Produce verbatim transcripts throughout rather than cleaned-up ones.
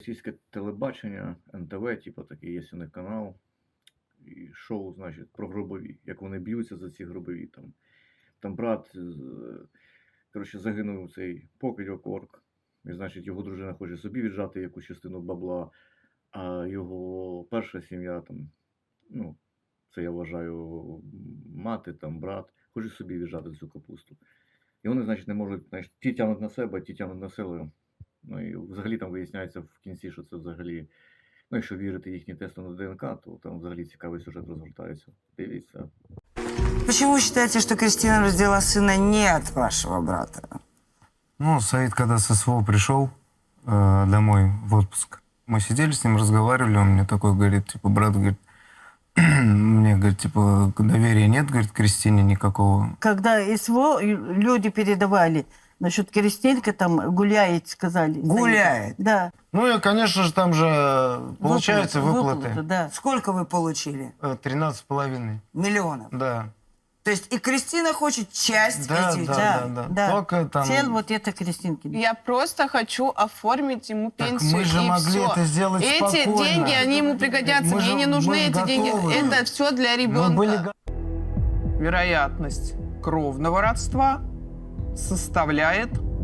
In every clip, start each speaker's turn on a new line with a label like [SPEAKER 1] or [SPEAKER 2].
[SPEAKER 1] російське телебачення, ен те ве, типу такий є у них канал. І шоу, значить, про гробові. Як вони б'ються за ці гробові. Там, там брат, коротше, загинув цей покидьок орк. І, значить, його дружина хоче собі віджати якусь частину бабла, а його перша сім'я, там, ну, це я вважаю, мати, там, брат, хоче собі віджати цю капусту. І вони, значить, не можуть, значить, ті тягнуть на себе, ті тягнуть на силу. Ну і взагалі там виясняється в кінці, що це взагалі, ну якщо вірити їхнім тестам на ДНК, то там взагалі цікавий сюжет розгортається. Дивіться.
[SPEAKER 2] Почему вы считаете, что Кристина родила сына не от вашего брата?
[SPEAKER 3] Ну, Саид, когда с СВО пришел э, домой в отпуск, мы сидели с ним, разговаривали, он мне такой говорит, типа, брат, говорит, мне, говорит, типа, доверия нет, говорит, к Кристине никакого.
[SPEAKER 4] Когда СВО люди передавали, насчет Кристинка там гуляет, сказали.
[SPEAKER 2] Гуляет?
[SPEAKER 4] Да.
[SPEAKER 3] Ну и, конечно же, там же получается выплаты.
[SPEAKER 4] выплаты, да.
[SPEAKER 2] Сколько вы получили?
[SPEAKER 3] Э, тринадцать с половиной.
[SPEAKER 2] Миллионов?
[SPEAKER 3] Да.
[SPEAKER 2] То есть и Кристина хочет часть
[SPEAKER 3] Да,
[SPEAKER 2] этих
[SPEAKER 3] да,
[SPEAKER 2] денег?
[SPEAKER 3] да, да. Только там...
[SPEAKER 4] Цель вот это Кристинки.
[SPEAKER 5] Я просто хочу оформить ему
[SPEAKER 3] Так
[SPEAKER 5] пенсию,
[SPEAKER 3] мы же
[SPEAKER 5] и
[SPEAKER 3] могли
[SPEAKER 5] все.
[SPEAKER 3] это сделать
[SPEAKER 5] Эти
[SPEAKER 3] спокойно.
[SPEAKER 5] деньги, они ему пригодятся.
[SPEAKER 3] Мы
[SPEAKER 5] Мне
[SPEAKER 3] же-
[SPEAKER 5] не нужны
[SPEAKER 3] мы
[SPEAKER 5] эти деньги.
[SPEAKER 3] готовы.
[SPEAKER 5] Это все для
[SPEAKER 3] Мы
[SPEAKER 5] ребенка.
[SPEAKER 3] были го-
[SPEAKER 6] Вероятность кровного родства составляет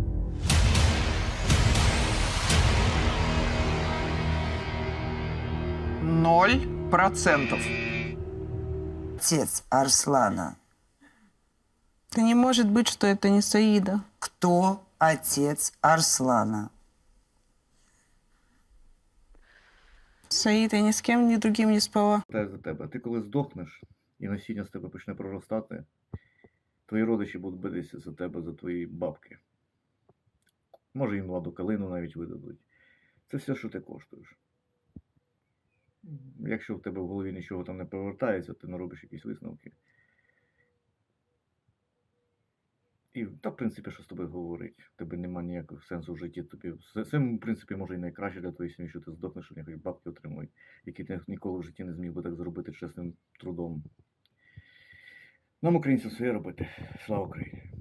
[SPEAKER 6] ноль процентов.
[SPEAKER 2] Отец Арслана.
[SPEAKER 5] Это не может быть, что это не Саида.
[SPEAKER 2] Кто отец Арслана?
[SPEAKER 5] Саид, я ни с кем, ни другим не спала.
[SPEAKER 1] Питаю за тебе. Ти коли здохнеш і насіння з тебе почне проростати, твої родичі будуть битися за тебе, за твої бабки. Може їм ладу калину навіть видадуть. Це все, що ти коштуєш. Якщо в тебе в голові нічого там не повертається, ти не робиш якісь висновки. І, та, в принципі, що з тобою говорить? В тебе немає ніякого сенсу в житті. Тобі, це, в принципі, може і найкраще для твоєї сім'ї, що ти здохнеш, що нехай бабки отримують, які ти ніколи в житті не зміг би так зробити чесним трудом. Нам, українцям, своє робити. Слава Україні!